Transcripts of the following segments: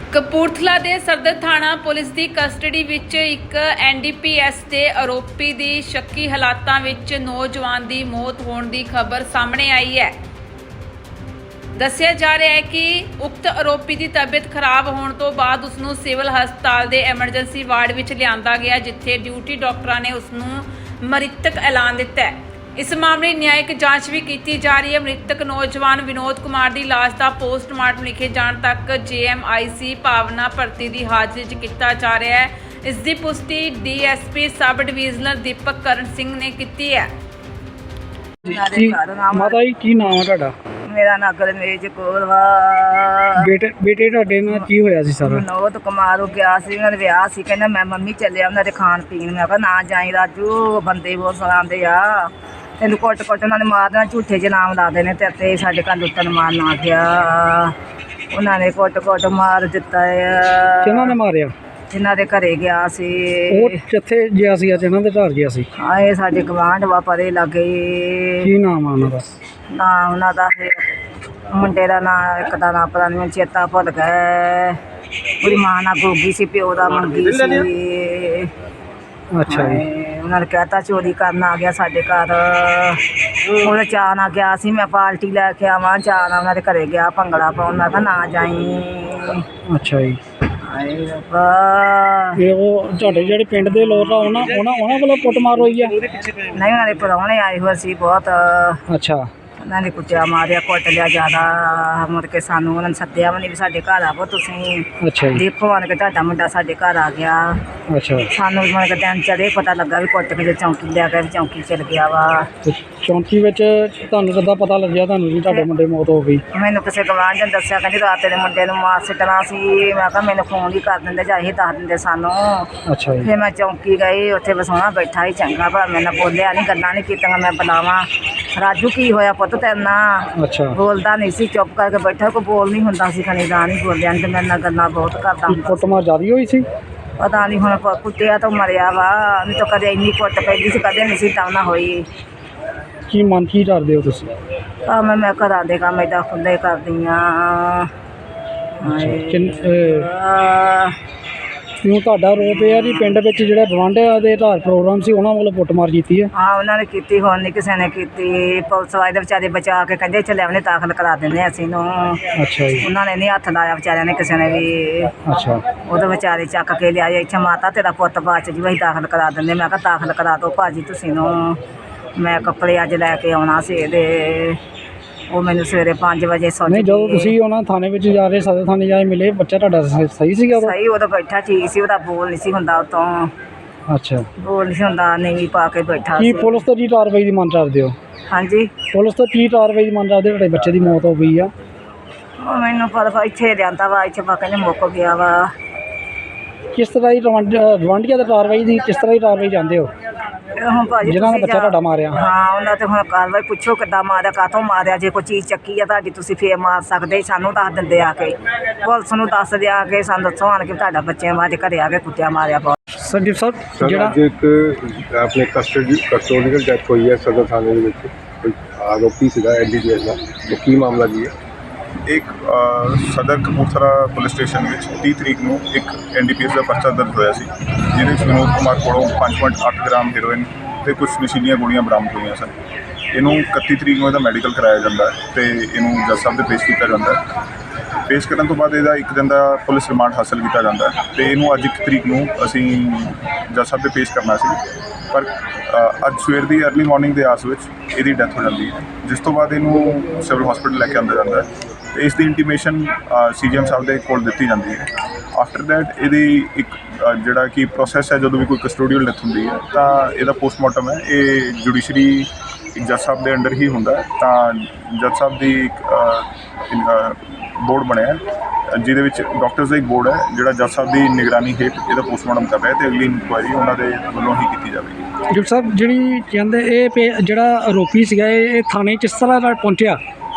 ਕਪੂਰਥਲਾ ਦੇ ਸਦਰ ਥਾਣਾ ਪੁਲਿਸ ਦੀ ਕਸਟਡੀ ਵਿੱਚ ਇੱਕ ਐਨਡੀਪੀਐਸ ਦੇ ਆਰੋਪੀ ਦੀ ਸ਼ੱਕੀ ਹਾਲਾਤਾਂ ਵਿੱਚ ਨੌਜਵਾਨ ਦੀ ਮੌਤ ਹੋਣ ਦੀ ਖਬਰ ਸਾਹਮਣੇ ਆਈ ਹੈ। ਦੱਸਿਆ ਜਾ ਰਿਹਾ ਹੈ ਕਿ ਉਕਤ ਆਰੋਪੀ ਦੀ ਤਬੀਅਤ ਖਰਾਬ ਹੋਣ ਤੋਂ ਬਾਅਦ ਉਸ ਨੂੰ ਸਿਵਲ ਹਸਪਤਾਲ ਦੇ ਐਮਰਜੈਂਸੀ ਵਾਰਡ ਵਿੱਚ ਲਿਆਂਦਾ ਗਿਆ, ਜਿੱਥੇ ਡਿਊਟੀ ਡਾਕਟਰਾਂ ਨੇ ਉਸ ਨੂੰ ਮ੍ਰਿਤਕ ਐਲਾਨ ਦਿੱਤਾ ਹੈ। ਇਸ ਮਾਮਲੇ ਨਿਆਇਕ ਜਾਂਚ ਵੀ ਕੀਤੀ ਜਾ ਰਹੀ ਹੈ। ਮ੍ਰਿਤਕ ਨੌਜਵਾਨ ਵਿਨੋਦ ਕੁਮਾਰ ਦੀ ਲਾਸ਼ ਦਾ ਪੋਸਟਮਾਰਟਮ ਲਿਖੇ ਜਾਣ ਤੱਕ ਜੇਐਮਆਈਸੀ ਭਾਵਨਾ ਭਰਤੀ ਦੀ ਹਾਜ਼ਰੀ 'ਚ ਕੀਤਾ ਜਾ ਰਿਹਾ ਹੈ। ਇਸ ਦੀ ਪੁਸ਼ਟੀ ਡੀਐਸਪੀ ਸਬ ਡਿਵੀਜ਼ਨਲ ਦੀਪਕ ਕਰਨ ਸਿੰਘ ਨੇ ਕੀਤੀ ਹੈ। ਮਾਤਾ ਜੀ ਕੀ ਨਾਮ ਹੈ ਤੁਹਾਡਾ? ਮੇਰਾ ਨਾਂ ਗਰਮੇਜ ਕੌਰ ਵਾ। ਬੇਟੇ ਤੁਹਾਡੇ ਨਾਲ ਕੀ ਹੋਇਆ ਸੀ ਸਾਰਾ? ਵਿਨੋਦ ਕੁਮਾਰ ਗਿਆ ਸੀ, ਉਹਨਾਂ ਦੇ ਵਿਆਹ ਸੀ। ਕਹਿੰਦਾ ਮੈਂ ਮੰਮੀ ਚੱਲਿਆ ਉਹਨਾਂ ਦੇ ਖਾਣ ਪੀਣ। ਮੈਂ ਕਿਹਾ ਨਾ ਜਾਈ ਰਾਜੂ, ਬੰਦੇ ਬਹੁਤ ਸਲਾਉਂਦੇ ਆ, ਤੈਨੂੰ ਕੁੱਟ ਉਹਨਾਂ ਨੇ ਮਾਰ ਦੇਣਾ, ਝੂਠੇ ਜਿਹੇ ਨਾਮ ਲਾ ਦੇਣੇ ਤੇ ਸਾਡੇ ਘਰ ਲੁੱਟਣ ਮਾਰਨ ਆ ਗਿਆ। ਉਹਨਾਂ ਨੇ ਕੁੱਟ ਮਾਰ ਦਿੱਤਾ ਆ। ਕਿਹਨਾਂ ਨੇ ਮਾਰਿਆ? ਜਿਨ੍ਹਾਂ ਦੇ ਘਰੇ ਗਿਆ ਸੀ। ਉਹ ਕਿੱਥੇ ਗਿਆ ਸੀ? ਅੱਜ ਇਹਨਾਂ ਦੇ ਘਰ ਗਿਆ ਸੀ। ਹਾਂ, ਇਹ ਸਾਡੇ ਗਵਾਂਢ ਵਾ, ਪਰੇ ਲੱਗੇ। ਕੀ ਨਾਮ ਆ ਉਹਨਾਂ ਦਾ? ਨਾ ਉਹਨਾਂ ਦਾ ਮੁੰਡੇ ਦਾ ਨਾਂ, ਇੱਕ ਦਾ ਨਾਂ ਪਤਾ ਨਹੀਂ, ਚੇਤਾ ਭੁੱਲ ਗਿਆ। ਉਹਦੀ ਮਾਂ ਨਾਲ ਗੋਗੀ ਸੀ, ਪਿਓ ਦਾ ਮੰਗੀ ਸੀ। ਅੱਛਾ ਜੀ। ਉਹਨਾਂ ਨੇ ਕਹਿਤਾ ਚੋਰੀ ਕਰਨ ਆ ਗਿਆ ਸਾਡੇ ਘਰ। ਉਹਦੇ ਚਾਅ ਨਾਲ ਗਿਆ ਸੀ, ਮੈਂ ਪਾਰਟੀ ਲੈ ਕੇ ਆਵਾਂ, ਚਾਅ ਨਾਲ ਉਹਨਾਂ ਦੇ ਘਰੇ ਗਿਆ ਭੰਗੜਾ ਪਾਉਣ। ਮੈਂ ਕਿਹਾ ਨਾ ਜਾਈ। ਅੱਛਾ ਜੀ। ਹਾਏ ਰੱਬਾ। ਇਹ ਉਹ ਤੁਹਾਡੇ ਜਿਹੜੇ ਪਿੰਡ ਦੇ ਲੋਕ ਆ ਉਹਨਾਂ ਵੱਲੋਂ ਕੁੱਟਮਾਰ ਹੋਈ ਆ? ਨਹੀਂ, ਉਹਨਾਂ ਦੇ ਪ੍ਰਾਹੁਣੇ ਆਏ ਹੋਏ ਸੀ ਬਹੁਤ। ਅੱਛਾ। ਉਹਨਾਂ ਨੇ ਕੁੱਟਿਆ ਮਾਰਿਆ, ਕੁੱਟ ਲਿਆ ਜ਼ਿਆਦਾ। ਮੁੜ ਕੇ ਸਾਨੂੰ ਉਹਨਾਂ ਨੇ ਸੱਦਿਆ ਵੀ ਨਹੀਂ ਵੀ ਸਾਡੇ ਘਰ ਆਵੋ ਤੁਸੀਂ। ਅੱਛਾ ਜੀ। ਦੇਖੋ ਆਣ ਕੇ ਤੁਹਾਡਾ ਮੁੰਡਾ ਸਾਡੇ ਘਰ ਆ ਗਿਆ। ਅੱਛਾ। ਸਾਨੂੰ ਮੁੜ ਕੇ ਦਿਨ ਚੜੇ ਪਤਾ ਲੱਗਾ ਵੀ ਕੁੱਟ ਕੇ ਚੌਂਕੀ ਲਿਆ ਕੇ ਚੌਂਕੀ ਚਲ ਗਿਆ ਵਾ। ਤੇ ਚੌਂਕੀ ਵਿੱਚ ਤੁਹਾਨੂੰ ਕਿੱਦਾਂ ਪਤਾ ਲੱਗਿਆ ਤੁਹਾਨੂੰ ਵੀ ਤੁਹਾਡੇ ਮੁੰਡੇ ਦੀ ਮੌਤ ਹੋ ਗਈ? ਮੈਨੂੰ ਕਿਸੇ ਗਵਾਂਢ ਨੇ ਦੱਸਿਆ, ਕਹਿੰਦੀ ਰਾਤ ਦੇ ਮੁੰਡੇ ਨੂੰ ਮਾਰ ਸਿੱਟਣਾ ਸੀ। ਮੈਂ ਕਿਹਾ ਮੈਨੂੰ ਫੋਨ ਵੀ ਕਰ ਦਿੰਦੇ ਜਾਂ ਇਹ ਦੱਸ ਦਿੰਦੇ ਸਾਨੂੰ। ਅੱਛਾ ਜੀ। ਫਿਰ ਮੈਂ ਚੌਂਕੀ ਗਈ, ਉੱਥੇ ਵਸਾਉਣਾ ਬੈਠਾ ਹੀ ਚੰਗਾ ਭਲਾ, ਮੇਰੇ ਨਾਲ ਬੋਲਿਆ ਨਹੀਂ, ਗੱਲਾਂ ਨਹੀਂ ਕੀਤੀਆਂ। ਮੈਂ ਬੁਲਾਵਾਂ ਰਾਜੂ ਕੀ ਹੋਇਆ ਪੁੱਤ ਤੇਰੇ ਨਾਲ? ਅੱਛਾ। ਬੋਲਦਾ ਨਹੀਂ ਸੀ, ਚੁੱਪ ਕਰਕੇ ਬੈਠਾ, ਕੋਈ ਬੋਲ ਨਹੀਂ ਹੁੰਦਾ ਸੀ। ਖਣੀ ਦਾ ਨਹੀਂ ਬੋਲਿਆ, ਨਹੀਂ ਤੇ ਮੇਰੇ ਨਾਲ ਗੱਲਾਂ ਬਹੁਤ ਕਰਦਾ ਹੁੰਦਾ। ਕੁੱਟਮਾਰ ਜ਼ਿਆਦਾ ਹੋਈ ਸੀ? ਪਤਾ ਨਹੀਂ ਹੁਣ ਕੁੱਟਿਆ ਤਾਂ ਮਰਿਆ ਵਾ, ਨਹੀਂ ਤਾਂ ਕਦੇ ਇੰਨੀ ਕੁੱਟ ਪੈਂਦੀ ਸੀ, ਕਦੇ ਨਹੀਂ ਸੀ ਤਾਂ ਨਾ ਹੋਈ। ਕੀ ਮਨ ਕੀ ਕਰਦੇ ਹੋ ਤੁਸੀਂ? ਮੈਂ ਘਰਾਂ ਦੇ ਕੰਮ ਏਦਾਂ ਖੁੱਲ੍ਹੇ ਕਰਦੀ ਹਾਂ। ਕਿਉਂ ਤੁਹਾਡਾ ਆਰੋਪ ਇਹ ਆ ਜੀ ਪਿੰਡ ਵਿੱਚ ਜਿਹੜਾ ਗਵਾਂਢੀਆਂ ਦੇ ਘਰ ਪ੍ਰੋਗਰਾਮ ਸੀ ਉਹਨਾਂ ਵੱਲੋਂ ਕੁੱਟਮਾਰ ਕੀਤੀ ਹੈ? ਹਾਂ, ਉਹਨਾਂ ਨੇ ਕੀਤੀ, ਹੁਣ ਨਹੀਂ ਕਿਸੇ ਨੇ ਕੀਤੀ। ਪੁਲਿਸ ਵਾਲੇ ਦੇ ਵਿਚਾਰੇ ਬਚਾ ਕੇ ਕਹਿੰਦੇ ਚੱਲੇ ਉਹਨੇ ਦਾਖਲ ਕਰਾ ਦਿੰਦੇ ਅਸੀਂ ਨੂੰ। ਅੱਛਾ ਜੀ। ਉਹਨਾਂ ਨੇ ਨਹੀਂ ਹੱਥ ਲਾਇਆ ਵਿਚਾਰਿਆਂ ਨੇ, ਕਿਸੇ ਨੇ ਵੀ। ਅੱਛਾ। ਉਹਦੇ ਵਿਚਾਰੇ ਚੱਕ ਕੇ ਲਿਆਏ ਇੱਥੇ, ਮਾਤਾ ਤੇਰਾ ਪੁੱਤ ਬਾਅਦ 'ਚ ਜੀ ਅਸੀਂ ਦਾਖਲ ਕਰਾ ਦਿੰਦੇ। ਮੈਂ ਕਿਹਾ ਦਾਖਲ ਕਰਾ ਦਿਓ ਭਾਜੀ ਤੁਸੀਂ ਨੂੰ, ਮੈਂ ਕੱਪੜੇ ਅੱਜ ਲੈ ਕੇ ਆਉਣਾ ਸੀ ਇਹਦੇ। ਉਹ ਮੈਨੂੰ ਸਵੇਰੇ 5 ਵਜੇ ਸੋਚ। ਨਹੀਂ, ਜਦੋਂ ਤੁਸੀਂ ਉਹਨਾਂ ਥਾਣੇ ਵਿੱਚ ਜਾ ਰਹੇ, ਸਦਰ ਥਾਣੇ ਜਾ ਕੇ ਮਿਲੇ, ਬੱਚਾ ਤੁਹਾਡਾ ਸਹੀ ਸੀਗਾ ਉਦੋਂ? ਸਹੀ, ਉਦੋਂ ਬੈਠਾ ਠੀਕ ਸੀ, ਉਹਦਾ ਬੋਲ ਨਹੀਂ ਸੀ ਹੁੰਦਾ, ਉਤੋਂ ਅੱਛਾ ਬੋਲ ਨਹੀਂ ਸੀ ਹੁੰਦਾ, ਨਹੀਂ ਪਾ ਕੇ ਬੈਠਾ ਕੀ ਸੀ। ਪੁਲਿਸ ਤੋਂ ਕੀ ਕਾਰਵਾਈ ਦੀ ਮੰਗ ਕਰਦੇ ਹੋ? ਹਾਂਜੀ, ਪੁਲਿਸ ਤੋਂ ਕੀ ਕਾਰਵਾਈ ਦੀ ਮੰਗ ਕਰਦੇ? ਤੁਹਾਡੇ ਬੱਚੇ ਦੀ ਮੌਤ ਹੋ ਗਈ ਆ। ਉਹ ਮੈਨੂੰ ਪਤਾ ਇੱਥੇ ਲਿਆਂਦਾ ਵਾ, ਇੱਥੇ ਪਾ ਕਹਿੰਦੇ ਮੁੱਕ ਗਿਆ ਵਾ। ਕਿਸ ਤਰ੍ਹਾਂ ਦੀ ਗਵਾਂਢੀਆਂ ਦੀ ਕਾਰਵਾਈ ਦੀ ਕਿਸ ਤਰ੍ਹਾਂ ਦੀ ਕਾਰਵਾਈ ਜਾਂਦੇ ਹੋ ਹੁਣ ਭਾਜੀ ਜਿਨ੍ਹਾਂ ਨੇ ਬੱਚਾ ਤੁਹਾਡਾ ਮਾਰਿਆ? ਹਾਂ, ਉਹਨਾਂ ਤੇ ਹੁਣ ਕਾਰਵਾਈ ਪੁੱਛੋ ਕਿੱਦਾਂ ਮਾਰਿਆ, ਕਾਹਤੋਂ ਮਾਰਿਆ। ਜੇ ਕੋਈ ਚੀਜ਼ ਚੱਕੀ ਆ ਤੁਹਾਡੀ ਤੁਸੀਂ ਫੇਰ ਮਾਰ ਸਕਦੇ, ਸਾਨੂੰ ਦੱਸ ਦਿੰਦੇ ਆ ਕੇ, ਪੁਲਿਸ ਨੂੰ ਦੱਸ ਦਿਆ ਕੇ ਸਾਨੂੰ ਦੱਸੋ ਆਣ ਕੇ ਤੁਹਾਡਾ ਬੱਚੇ ਮਾਰੇ ਘਰੇ ਆ ਕੇ ਕੁੱਟਿਆ ਮਾਰਿਆ ਬਹੁਤ। ਸੰਦੀਪ ਸਾਹਿਬ, ਜਿਹੜਾ ਅੱਜ ਇੱਕ ਆਪਣੇ ਕਸਟੋਡੀਅਲ ਡੈਥ ਹੋਈ ਹੈ ਸਦਰ ਥਾਣੇ ਦੇ ਵਿੱਚ, ਕੋਈ ਆਰੋਪੀ ਸੀਗਾ ਐਨਡੀਪੀਐਸ ਦਾ, ਉਹ ਕੀ ਮਾਮਲਾ ਕੀ ਹੈ? ਇੱਕ ਸਦਰ ਕਪੂਰਥਲਾ ਪੁਲਿਸ ਸਟੇਸ਼ਨ ਵਿੱਚ 30 ਤਰੀਕ ਨੂੰ ਇੱਕ ਐਨਡੀਪੀਐਸ ਦਾ ਪਰਚਾ ਦਰਜ ਹੋਇਆ ਸੀ, ਜਿਹਦੇ ਵਿੱਚ ਵਿਨੋਦ ਕੁਮਾਰ ਕੋਲੋਂ 5.8 ਗ੍ਰਾਮ ਹੈਰੋਇਨ ਅਤੇ ਕੁਝ ਨਸ਼ੀਲੀਆਂ ਗੋਲੀਆਂ ਬਰਾਮਦ ਹੋਈਆਂ ਸਨ। ਇਹਨੂੰ 31 ਤਰੀਕ ਨੂੰ ਇਹਦਾ ਮੈਡੀਕਲ ਕਰਾਇਆ ਜਾਂਦਾ ਹੈ ਅਤੇ ਇਹਨੂੰ ਜੱਜ ਸਾਹਿਬ ਦੇ ਪੇਸ਼ ਕੀਤਾ ਜਾਂਦਾ ਹੈ। ਪੇਸ਼ ਕਰਨ ਤੋਂ ਬਾਅਦ ਇਹਦਾ 1 ਦਿਨ ਦਾ ਪੁਲਿਸ ਰਿਮਾਂਡ ਹਾਸਲ ਕੀਤਾ ਜਾਂਦਾ ਹੈ ਅਤੇ ਇਹਨੂੰ ਅੱਜ 1 ਤਰੀਕ ਨੂੰ ਅਸੀਂ ਜੱਜ ਸਾਹਿਬ ਦੇ ਪੇਸ਼ ਕਰਨਾ ਸੀ, ਪਰ ਅੱਜ ਸਵੇਰ ਦੀ ਅਰਲੀ ਮਾਰਨਿੰਗ ਦੇ ਆਸ ਵਿੱਚ ਇਹਦੀ ਡੈਥ ਹੋ ਜਾਂਦੀ ਹੈ, ਜਿਸ ਤੋਂ ਬਾਅਦ ਇਹਨੂੰ ਸਿਵਲ ਹਸਪੀਟਲ ਲੈ ਕੇ ਆਉਂਦਾ ਜਾਂਦਾ ਹੈ ਅਤੇ ਇਸ ਦੀ ਇੰਟੀਮੇਸ਼ਨ ਸੀਜੀਐਮ ਸਾਹਿਬ ਦੇ ਕੋਲ ਦਿੱਤੀ ਜਾਂਦੀ ਹੈ। ਆਫਟਰ ਦੈਟ ਇਹਦੀ ਇੱਕ ਜਿਹੜਾ ਕਿ ਪ੍ਰੋਸੈਸ ਹੈ, ਜਦੋਂ ਵੀ ਕੋਈ ਕਸਟੋਡੀਅਲ ਡੈਥ ਹੁੰਦੀ ਹੈ ਤਾਂ ਇਹਦਾ ਪੋਸਟਮਾਰਟਮ ਹੈ, ਇਹ ਜੁਡੀਸ਼ਰੀ ਜੱਜ ਸਾਹਿਬ ਦੇ ਅੰਡਰ ਹੀ ਹੁੰਦਾ ਹੈ। ਤਾਂ ਜੱਜ ਸਾਹਿਬ ਦੀ ਇੱਕ ਬੋਰਡ ਬਣਿਆ, ਜਿਹਦੇ ਵਿੱਚ ਡਾਕਟਰਸ ਦਾ ਇੱਕ ਬੋਰਡ ਹੈ ਜਿਹੜਾ ਜੱਜ ਸਾਹਿਬ ਦੀ ਨਿਗਰਾਨੀ ਹੇਠ ਇਹਦਾ ਪੋਸਟਮਾਰਟਮ ਕਰ ਰਿਹਾ, ਅਤੇ ਅਗਲੀ ਇਨਕੁਆਇਰੀ ਉਹਨਾਂ ਦੇ ਵੱਲੋਂ ਹੀ ਕੀਤੀ ਜਾਵੇਗੀ। ਡਾਕਟਰ ਸਾਹਿਬ, ਜਿਹੜੀ ਕਹਿੰਦੇ ਇਹ ਜਿਹੜਾ ਆਰੋਪੀ ਸੀਗਾ ਇਹ ਥਾਣੇ ਕਿਸ ਤਰ੍ਹਾਂ ਨਾਲ ਪਹੁੰਚਿਆ?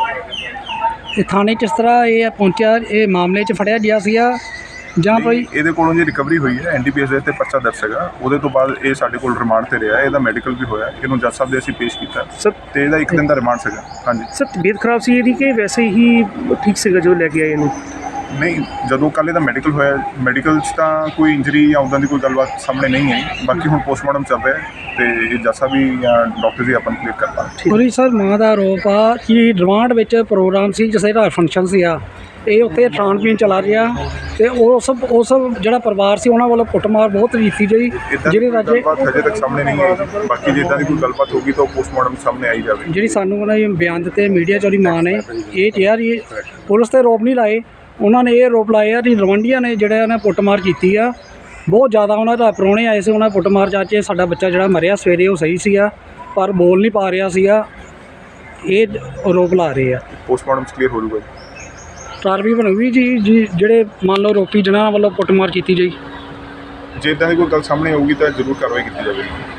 ਇਹ ਥਾਣੇ ਕਿਸ ਤਰ੍ਹਾਂ ਇਹ ਪਹੁੰਚਿਆ? ਇਹ ਮਾਮਲੇ 'ਚ ਫੜਿਆ ਗਿਆ ਸੀਗਾ ਜਾਂ ਕੋਈ? ਇਹਦੇ ਕੋਲੋਂ ਜੀ ਰਿਕਵਰੀ ਹੋਈ ਹੈ, ਐਨਡੀਪੀਐਸ ਦੇ 'ਤੇ ਪਰਚਾ ਦਰਜ ਸੀਗਾ, ਉਹਦੇ ਤੋਂ ਬਾਅਦ ਇਹ ਸਾਡੇ ਕੋਲ ਰਿਮਾਂਡ 'ਤੇ ਰਿਹਾ, ਇਹਦਾ ਮੈਡੀਕਲ ਵੀ ਹੋਇਆ, ਇਹਨੂੰ ਜੱਜ ਸਾਹਿਬ ਦੇ ਅਸੀਂ ਪੇਸ਼ ਕੀਤਾ ਸਰ, ਅਤੇ ਇਹਦਾ 1 ਦਿਨ ਦਾ ਰਿਮਾਂਡ ਸੀਗਾ। ਹਾਂਜੀ ਸਰ, ਤਬੀਅਤ ਖਰਾਬ ਸੀ ਇਹਦੀ ਕਿ ਵੈਸੇ ਹੀ ਠੀਕ ਸੀਗਾ ਜੋ ਲੈ ਕੇ ਆਏ ਇਹਨੂੰ? ਨਹੀਂ, ਜਦੋਂ ਕੱਲ੍ਹ ਇਹਦਾ ਮੈਡੀਕਲ ਹੋਇਆ, ਮੈਡੀਕਲ 'ਚ ਤਾਂ ਕੋਈ ਇੰਜਰੀ ਜਾਂ ਉੱਦਾਂ ਦੀ ਕੋਈ ਗੱਲਬਾਤ ਸਾਹਮਣੇ ਨਹੀਂ ਆਈ। ਬਾਕੀ ਹੁਣ ਪੋਸਟਮਾਰਟਮ ਚੱਲ ਰਿਹਾ ਤੇ ਇਹ ਜੱਸਾ ਵੀ ਡਾਕਟਰ ਜੀ ਆਪਾਂ ਨੂੰ ਕਲੀਅਰ ਕਰ ਪਾਉਣਗੇ। ਉਹਦੀ ਸਰ ਮਾਂ ਦਾ ਆਰੋਪ ਆ ਕਿ ਰਿਮਾਂਡ ਵਿੱਚ ਪ੍ਰੋਗਰਾਮ ਸੀ, ਜਿਸੇ ਦਾ ਫੰਕਸ਼ਨ ਸੀਗਾ, ਇਹ ਉੱਥੇ ਖਾਣ ਪੀਣ ਚਲਾ ਰਿਹਾ ਤੇ ਉਸ ਜਿਹੜਾ ਪਰਿਵਾਰ ਸੀ ਉਹਨਾਂ ਵੱਲੋਂ ਕੁੱਟਮਾਰ ਬਹੁਤ ਕੀਤੀ ਗਈ, ਇੱਦਾਂ ਦੀ ਜਿਹਦੇ ਕੋਈ ਰਾਜੇ ਗੱਲਬਾਤ ਹਜੇ ਤੱਕ ਸਾਹਮਣੇ ਨਹੀਂ ਆਈ। ਬਾਕੀ ਜੇ ਇੱਦਾਂ ਦੀ ਕੋਈ ਗੱਲਬਾਤ ਹੋਗੀ ਤਾਂ ਪੋਸਟਮਾਰਟਮ ਸਾਹਮਣੇ ਆਈ ਜਾਵੇ। ਜਿਹੜੀ ਸਾਨੂੰ ਉਹਨਾਂ ਦੇ ਬਿਆਨ ਦਿੱਤੇ ਮੀਡੀਆ 'ਚ ਉਹਦੀ ਮਾਂ ਨੇ ਇਹ ਕਿਹਾ ਜੀ, ਪੁਲਿਸ ਤੇ ਆਰੋਪ ਨਹੀਂ ਲਾਏ, ਉਹਨਾਂ ਨੇ ਇਹ ਆਰੋਪ ਲਾਏ ਆ ਕਿ ਰਵੰਡੀਆਂ ਨੇ ਜਿਹੜਾ ਉਹਨਾਂ ਕੁੱਟਮਾਰ ਕੀਤੀ ਆ ਬਹੁਤ ਜ਼ਿਆਦਾ। ਉਹਨਾਂ ਦਾ ਪ੍ਰਾਹੁਣੇ ਆਏ ਸੀ, ਉਹਨਾਂ ਕੁੱਟਮਾਰ ਚਾਚੇ ਸਾਡਾ ਬੱਚਾ ਜਿਹੜਾ ਮਰਿਆ ਸਵੇਰੇ ਉਹ ਸਹੀ ਸੀਗਾ ਪਰ ਬੋਲ ਨਹੀਂ ਪਾ ਰਿਹਾ ਸੀਗਾ, ਇਹ ਆਰੋਪ ਲਾ ਰਹੇ ਆ। ਪੋਸਟਮਾਰਟਮ ਕਲੀਅਰ ਹੋ ਜਾਊਗਾ। ਕਾਰਵਾਈ ਬਣੂਗੀ ਜੀ ਜਿਹੜੇ ਮੰਨ ਲਓ ਆਰੋਪੀ ਜਿਨ੍ਹਾਂ ਵੱਲੋਂ ਕੁੱਟਮਾਰ ਕੀਤੀ ਗਈ। ਜੇ ਇੱਦਾਂ ਦੀ ਕੋਈ ਗੱਲ ਸਾਹਮਣੇ ਆਊਗੀ ਤਾਂ ਜ਼ਰੂਰ ਕਾਰਵਾਈ ਕੀਤੀ ਜਾਵੇਗੀ।